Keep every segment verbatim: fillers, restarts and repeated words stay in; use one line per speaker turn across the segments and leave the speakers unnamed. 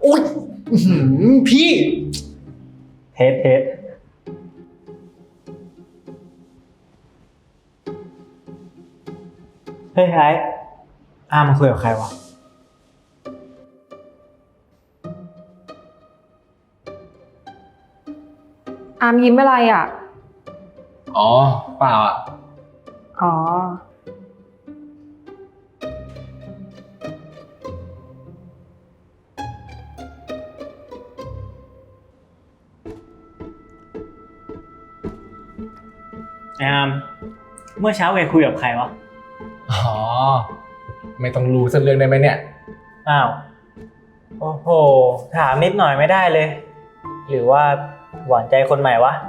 อุ้ยพี่
เทสเทสเฮ้ยไอ้อามาคุยกับใครวะ
อามยิ้มอะไรอ่ะ
อ๋อเปล่าอ่ะ
อ๋อ
ไอ้อามเมื่อเช้าแกคุยกับใครวะ
อ๋อไม่ต้องรู้สักเรื่องได้ไหมเนี่ย
อ้าวโอ้โหถามนิดหน่อยไม่ได้เลย หรือว่าหวานใจคนใหม่วะ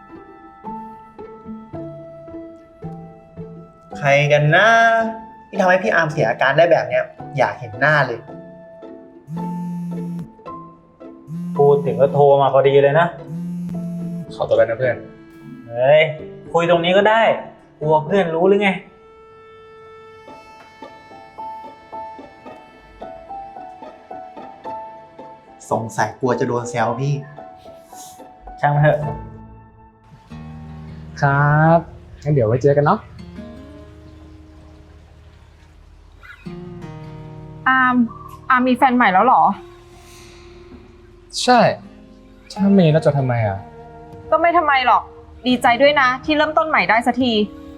ใครกันนะที่ทำให้พี่อาร์มเสียอาการได้แบบเนี้ยอยากเห็นหน้าเลย
พูดถึงก็โทรมาพอดีเลยนะ
ขอตัวไปนะเพื่อน
เฮ้ยคุยตรงนี้ก็ได้กลัวเพื่อนรู้หรือไง
สงสัยกลัวจะโดนแซวพี่
ช่างมันเถอะ
ครับงั้นเดี๋ยวไว้เจอกันเนาะ
อามอามมีแฟนใหม่แล้วเหรอ
ใช่ถ้ามีแล้วจะทำไมอ่ะ
ก็ไม่ทำไมหรอกดีใจด้วยนะที่เริ่มต้นใหม่ได้สักที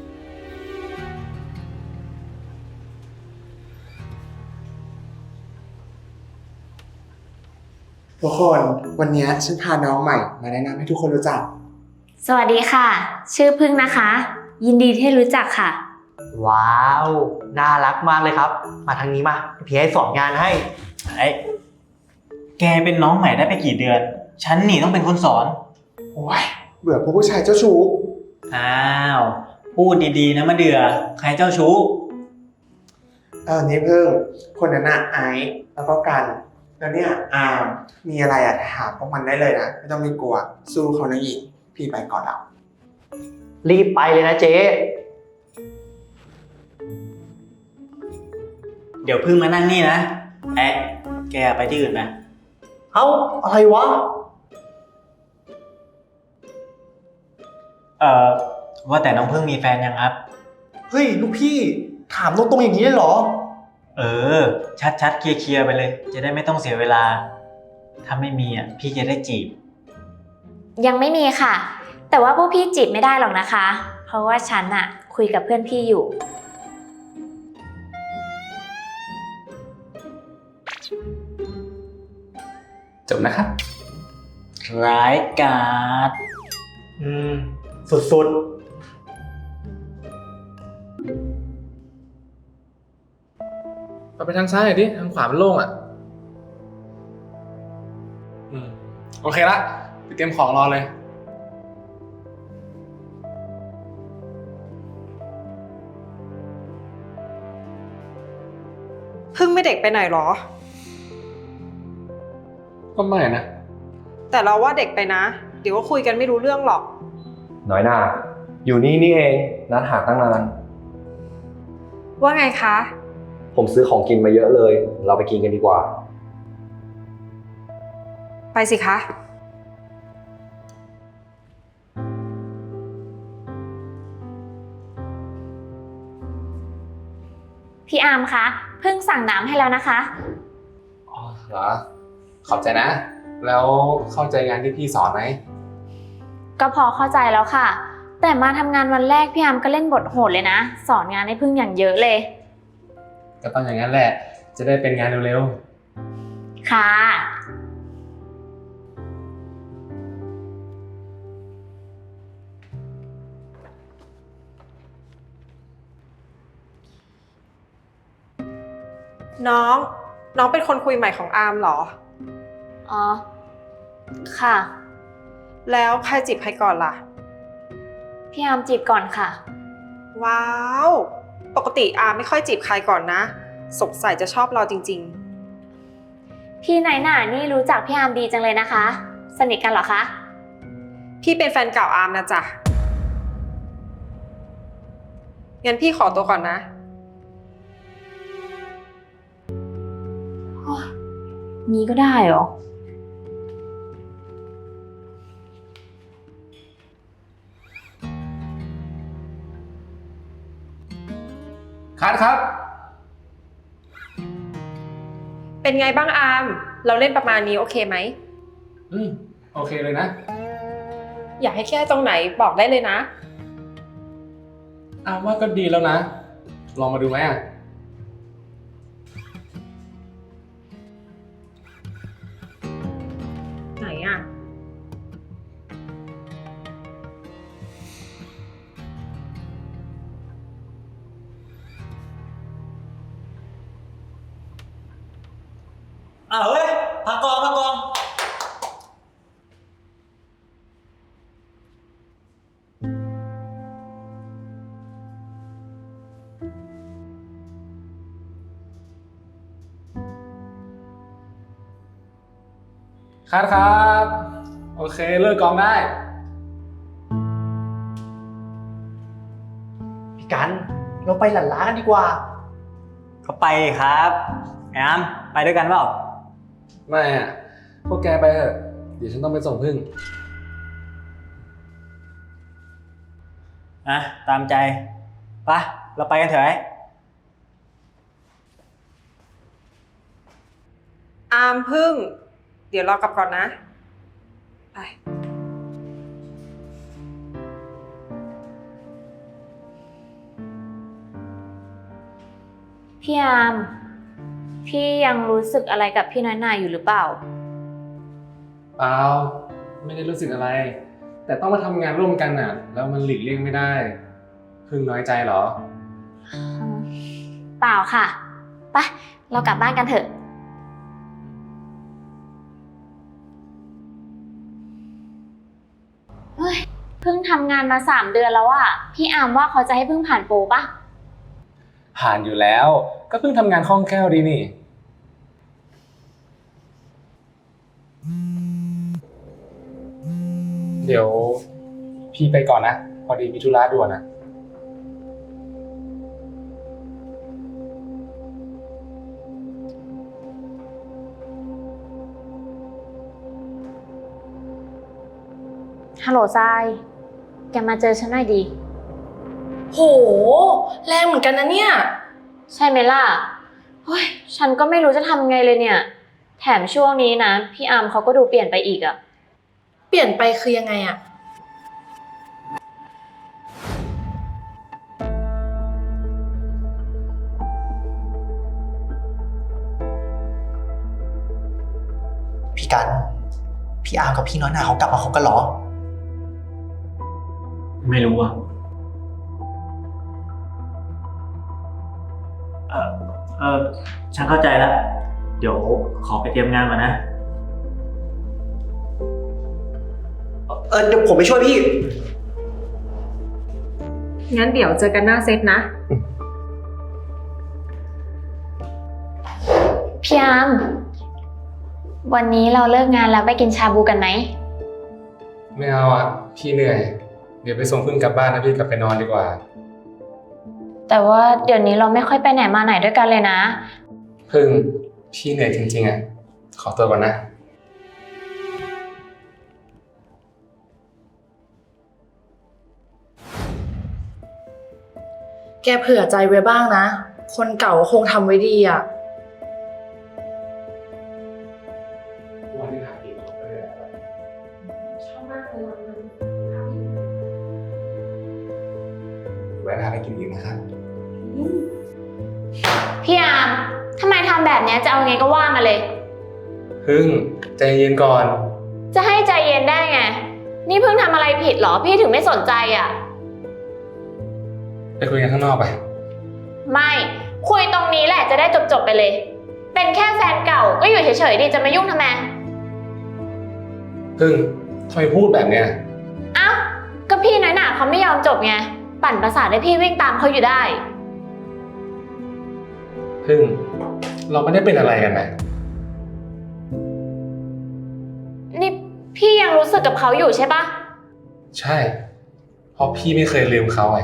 ทุกคนวันนี้ฉันพาน้องใหม่มาแนะนำให้ทุกคนรู้จัก
สวัสดีค่ะชื่อพึ่งนะคะยินดีที่รู้จักค่ะ
ว้าวน่ารักมากเลยครับมาทางนี้มาพี่ให้สอนงานให้
ไอ้แกเป็นน้องใหม่ได้ไปกี่เดือนฉันนี่ต้องเป็นคนสอน
โอ้ยเบื่อพวกผู้ชายเจ้าชู้
อ้าวพูดดีๆนะมะเดือใครเจ้าชู้
เออนี่เพิ่งคนนั้นอะไอซ์แล้วก็กันแล้วเนี่ยอาร์มมีอะไรอะถามพวกมันได้เลยนะไม่ต้องมีกลัวสู้เขานะอีกพี่ไปก่อนแล้ว
รีบไปเลยนะเจ๊
เดี๋ยวพึ่งมานั่งนี่นะแอ๊ะแกไปที่อื่นนะ
เอ้าอะไรวะ
เอ่อว่าแต่น้องพึ่งมีแฟนยังครับ
เฮ้ยลูกพี่ถามตรงๆอย่างนี้เลยเหรอ
เออชัดๆเคลียร์ๆไปเลยจะได้ไม่ต้องเสียเวลาถ้าไม่มีอ่ะพี่จะได้จีบ
ยังไม่มีค่ะแต่ว่าพวกพี่จีบไม่ได้หรอกนะคะเพราะว่าฉันอะคุยกับเพื่อนพี่อยู่
จบนะครับ
ร้ายกาจ
อืมสุดๆ
เราไปทางซ้ายหน่อยดิทางขวามันโล่งอ่ะอืมโอเคละไปเตรียมของรอเลย
พึ่งไม่เด็กไปหน่อยหรอ
ก็ไม่นะ
แต่เราว่าเด็กไปนะเดี๋ยวก็คุยกันไม่รู้เรื่องหรอก
น้อยหน้าอยู่นี่นี่เองนัดหาตั้งนาน
ว่าไงคะ
ผมซื้อของกินมาเยอะเลยเราไปกินกันดีกว่า
ไปสิคะ
พี่อาร์มคะเพิ่งสั่งน้ำให้แล้วนะคะ
อ๋อเหรอขอบใจนะแล้วเข้าใจงานที่พี่สอนไหม
ก็พอเข้าใจแล้วค่ะแต่มาทำงานวันแรกพี่อาร์มก็เล่นบทโหดเลยนะสอนงานให้พึ่งอย่างเยอะเลย
ก็ต้องอย่างนั้นแหละจะได้เป็นงานเร็ว
ๆค่ะ
น้องน้องเป็นคนคุยใหม่ของอาร์มเหรอ
อ๋อค่ะ
แล้วใครจีบใครก่อนล่ะ
พี่อาร์มจีบก่อนค่ะ
ว้าวปกติอาร์มไม่ค่อยจีบใครก่อนนะสงสัยจะชอบเราจริง
ๆพี่นายหน่านี่รู้จักพี่อาร์มดีจังเลยนะคะสนิทกันเหรอคะ
พี่เป็นแฟนเก่าอาร์มนะจ๊ะงั้นพี่ขอตัวก่อนนะ
มีก็ได้เหรอ
คัดครับ
เป็นไงบ้างอาร์มเราเล่นประมาณนี้โอเคไหม
อืมโอเคเลยนะ
อยากให้แค่ตรงไหนบอกได้เลยนะ
อ้าวว่าก็ดีแล้วนะ ลองมาดูไหมอ่ะ
ไหนอ่ะ
อ้าวเฮ้ยพักกองพักกอง
คัดครับ โอเคเลิกกองได้
พี่กัน เราไปหลั่นล้ากันดีกว่า
ก็ไปดิครับไอ้อามไปด้วยกันเปล่า
ไม่อ่ะ พวกแกไปเถอะ เดี๋ยวฉันต้องไปส่งพึ่ง
อ่ะตามใจไปะเราไปกันเถอะไอ้
อาร์มพึ่ง เดี๋ยวรอกลับก่อนนะ ไป
พี่อามพี่ยังรู้สึกอะไรกับพี่น้อยหนาอยู่หรือเปล่า
เปล่า ไม่ได้รู้สึกอะไร แต่ต้องมาทำงานร่วมกันอ่ะ แล้วมันหลีกเลี่ยงไม่ได้ พึ่งน้อยใจเหรอ
เปล่าค่ะไปเรากลับบ้านกันเถอะ เฮ้ยเพิ่งทำงานมาสามเดือนแล้วอะพี่อามว่าเขาจะให้เพิ่งผ่านโปรปะ
ผ่านอยู่แล้ว ก็เพิ่งทำงานคล่องแคล่วดีนี่ เดี๋ยวพี่ไปก่อนนะ พอดีมีธุระด่วนนะ
ฮัลโหลทราย แกมาเจอฉันหน่อยดี
โห แรงเหมือนกันนะเนี่ย
ใช่ไหมล่ะเฮ้ยฉันก็ไม่รู้จะทำไงเลยเนี่ย แถมช่วงนี้นะ พี่อามเขาก็ดูเปลี่ยนไปอีกอะ
เปลี่ยนไปคือยังไงอะ
พี่กัน พี่อาร์มกับพี่น้อยหนาเขากลับมาคบกันเหรอ
ไม่รู้อ่ะเออเออฉันเข้าใจแล้ว เดี๋ยวขอไปเตรียมงานก่อนนะ
เออเดี๋ยวผมไปช่วยพี่
งั้นเดี๋ยวเจอกันหน้าเซตนะ
พี่อามวันนี้เราเลิกงานแล้วไปกินชาบูกันไหม
ไม่เอาอ่ะ พี่เหนื่อย เดี๋ยวไปส่งพึ่งกลับบ้านนะพี่กลับไปนอนดีกว่า
แต่ว่าเดี๋ยวนี้เราไม่ค่อยไปไหนมาไหนด้วยกันเลยนะ
พึ่งพี่เหนื่อยจริงๆอ่ะ ขอตัวก่อนนะ
แกเผื่อใจไว้บ้างนะ คนเก่าคงทำไว้ดีอะ
วันนี้หากินของไปเลย
ชอบมากเลย
แวะพาไปกินอีกนะครับ
พี่อามทำไมทำแบบนี้จะเอาไงก็ว่ามาเลย
พึ่งใจเย็นก่อน
จะให้ใจเย็นได้ไง นี่เพิ่งทำอะไรผิดเหรอ พี่ถึงไม่สนใจอ่ะ
ไปคุยกันข้างนอกไป
ไม่ คุยตรงนี้แหละจะได้จบๆไปเลย เป็นแค่แฟนเก่าก็อยู่เฉยๆดิจะมายุ่งทำไม
พึ่งทำไมพูดแบบเนี้ย
เอ้าก็พี่น้อยหนาเขาไม่ยอมจบไง ปั่นประสาทให้พี่วิ่งตามเขาอยู่ได้
พึ่งเราไม่ได้เป็นอะไรกันนะ
นี่พี่ยังรู้สึกกับเขาอยู่ใช่ปะ
ใช่ เพราะพี่ไม่เคยลืมเขาไง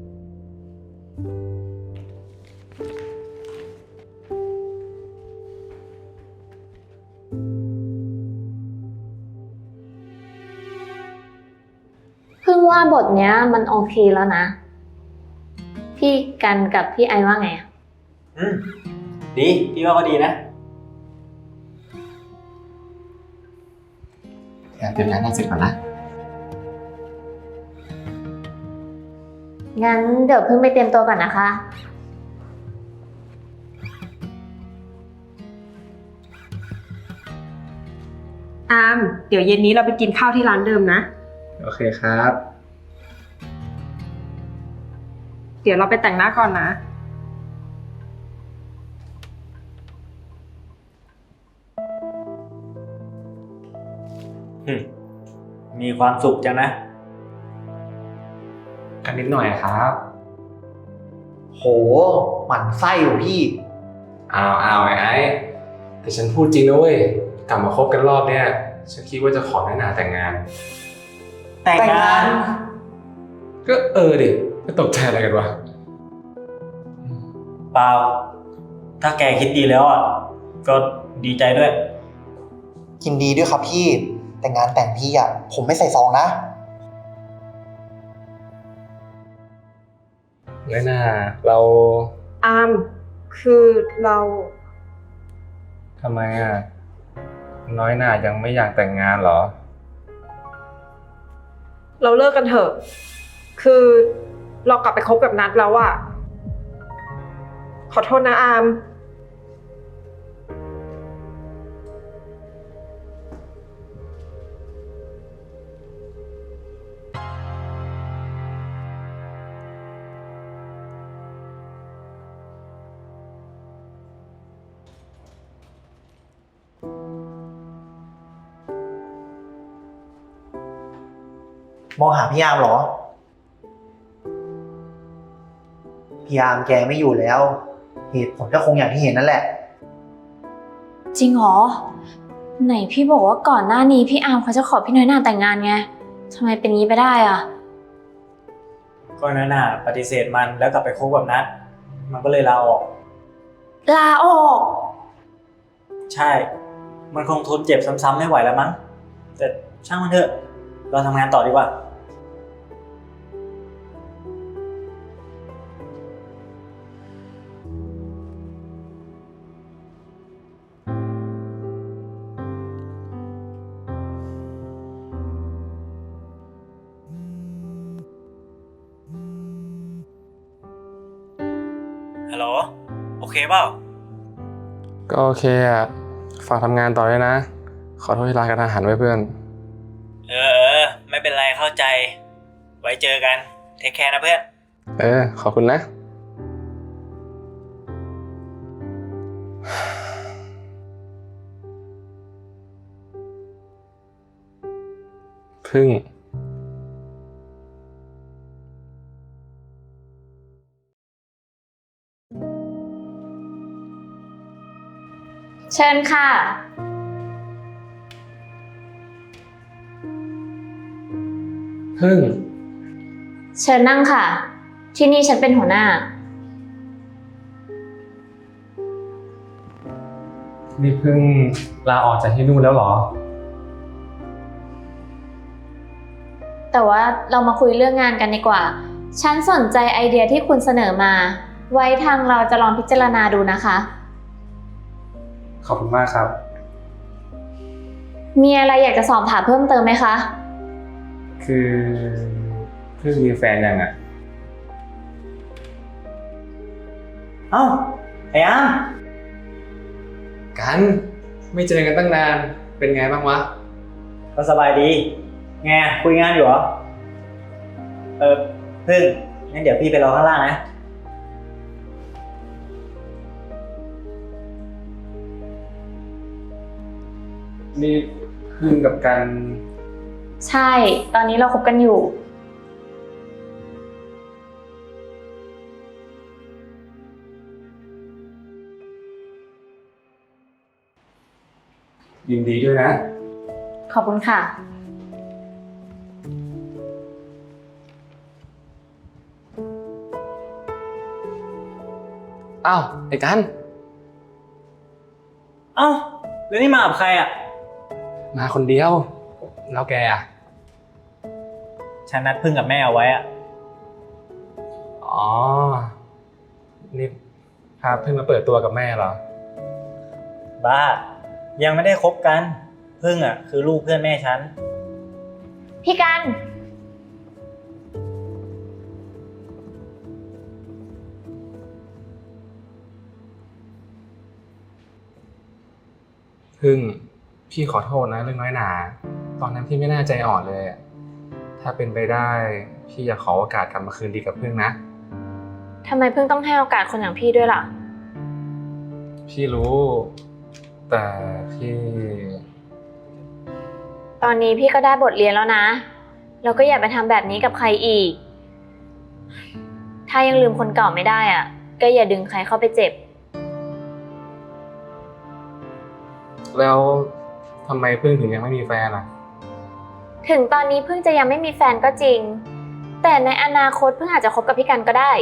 พว่าบทเนี้ยมันโอเคแล้วนะ พี่กันกับพี่ไอว่าไงอะ
อืม ดี พี่ว่าก็ดีนะ
เดี๋ยวเตรียมงานให้เสร็จก่อนนะ
งั้นเดี๋ยวเพิ่งไปเตรียมตัวก่อนนะคะ
อาม เดี๋ยวเย็นนี้เราไปกินข้าวที่ร้านเดิมนะ
โอเคครับ
เดี๋ยวเราไปแต่งหน้าก่อนนะ
มีความสุขจังนะ
กันนิดหน่อยครับ
โห หมั่นไส้อยู่พี่
อ้าวอ้าวไอ้ไอ้แต่ฉันพูดจริงนะเว้ย กลับมาคบกันรอบเนี้ย ฉันคิดว่าจะขอน้อยหนาแต่งงาน
แต่งงาน
ก็เออดิไม่ตกใจอะไรกันวะ
เปล่า ถ้าแกคิดดีแล้วอ่ะ ก็ดีใจด้วย
ยินดีด้วยครับพี่ แต่งานแต่งพี่อ่ะ ผมไม่ใส่ซองนะ
น้อยหนาเรา
อาม คือเรา
ทำไมอ่ะ น้อยหนายังไม่อยากแต่งงานเหรอ
เราเลิกกันเถอะ คือเรากลับไปคบกับนัดแล้วอะขอโทษนะอาม
มองหาพี่ยามเหรอ พี่ยามแกไม่อยู่แล้ว เหตุผลก็คงอย่างที่เห็นนั่นแหละ
จริงเหรอ ไหนพี่บอกว่าก่อนหน้านี้พี่อาร์มเขาจะขอพี่น้อยหน่าแต่งงานไงทำไมเป็นงี้ไปได้อ่ะ
ก็นั่นน่ะปฏิเสธมันแล้วกลับไปคบกับนัทมันก็เลยลาออก
ลาออก
ใช่ มันคงทนเจ็บซ้ำๆไม่ไหวแล้วมั้ง แต่ช่างมันเถอะ เราทำงานต่อดีกว่า ฮัลโหล โอเคเปล่า
ก็โอเคอ่ะ ฝากทำงานต่อด้วยนะ ขอโทษที่ลากันอาหารไว้เพื่อน
เออเออ ไม่เป็นไรเข้าใจ ไว้เจอกัน เทคแคร์นะเพื่อน
เออ ขอบคุณนะ พึ่ง
เชิญค่ะ
พึ่ง
เชิญนั่งค่ะ ที่นี่ฉันเป็นหัวหน้า
นี่พึ่งลาออกจากที่นู่นแล้วเหรอ
แต่ว่าเรามาคุยเรื่องงานกันดีกว่า ฉันสนใจไอเดียที่คุณเสนอมา ไว้ทางเราจะลองพิจารณาดูนะคะ
ขอบคุณมากครับ
มีอะไรอยากจะสอบถามเพิ่มเติมไหมคะ
คือพึ่งมีแฟนยังอ่ะ
เอ้า ไอ้อ้าม
กัน ไม่เจอกันตั้งนาน เป็นไงบ้างวะ
ก็สบายดี ไงคุยงานอยู่เหรอ เออพึ่งงั้นเดี๋ยวพี่ไปรอข้างล่างนะ
นี่พึ่งกับกัน
ใช่ ตอนนี้เราคบกันอยู่
ยินดีด้วยนะ
ขอบคุณค่ะ
อ้าว ไอ้กัน
เอ้า แล้วนี่มากับใครอ่ะ
มาคนเดียว แล้วแกอ่ะ
ฉฉันนัดพึ่งกับแม่เอาไว้อะ
อ๋อ นี่พาเพิ่งมาเปิดตัวกับแม่เหรอ
บ้า ยังไม่ได้คบกัน พึ่งอ่ะคือลูกเพื่อนแม่ฉัน
พี่กัน
พึ่ง พี่ขอโทษนะเรื่องน้อยหนา ตอนนั้นพี่ไม่น่าใจอ่อนเลยอะถ้าเป็นไปได้ พี่อยากขอโอกาสกลับมาคืนดีกับพึ่งนะ
ทำไมเพิ่งต้องให้โอกาสคนอย่างพี่ด้วยล่ะ
พี่รู้ แต่พี่
ตอนนี้พี่ก็ได้บทเรียนแล้วนะ แล้วก็อย่าไปทำแบบนี้กับใครอีก ถ้ายังลืมคนเก่าไม่ได้อ่ะ ก็อย่าดึงใครเข้าไปเจ็บ
แล้วทำไมพึ่งถึงยังไม่มีแฟนอ่ะ
ถึงตอนนี้เพิ่งจะยังไม่มีแฟนก็จริง แต่ในอนาคตเพิ่งอาจจะคบกับพี่กันก็ได้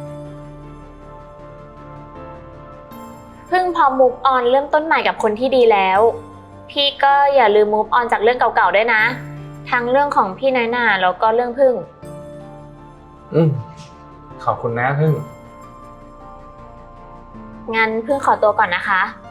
เพิ่งพอ move on เริ่มต้นใหม่กับคนที่ดีแล้ว พี่ก็อย่าลืม move on จากเรื่องเก่าๆด้วยนะ ทั้งเรื่องของพี่น้อยหน่าแล้วก็เรื่องพึ่ง
อืมขอบคุณนะพึ่ง
งั้นพึ่งขอตัวก่อนนะคะ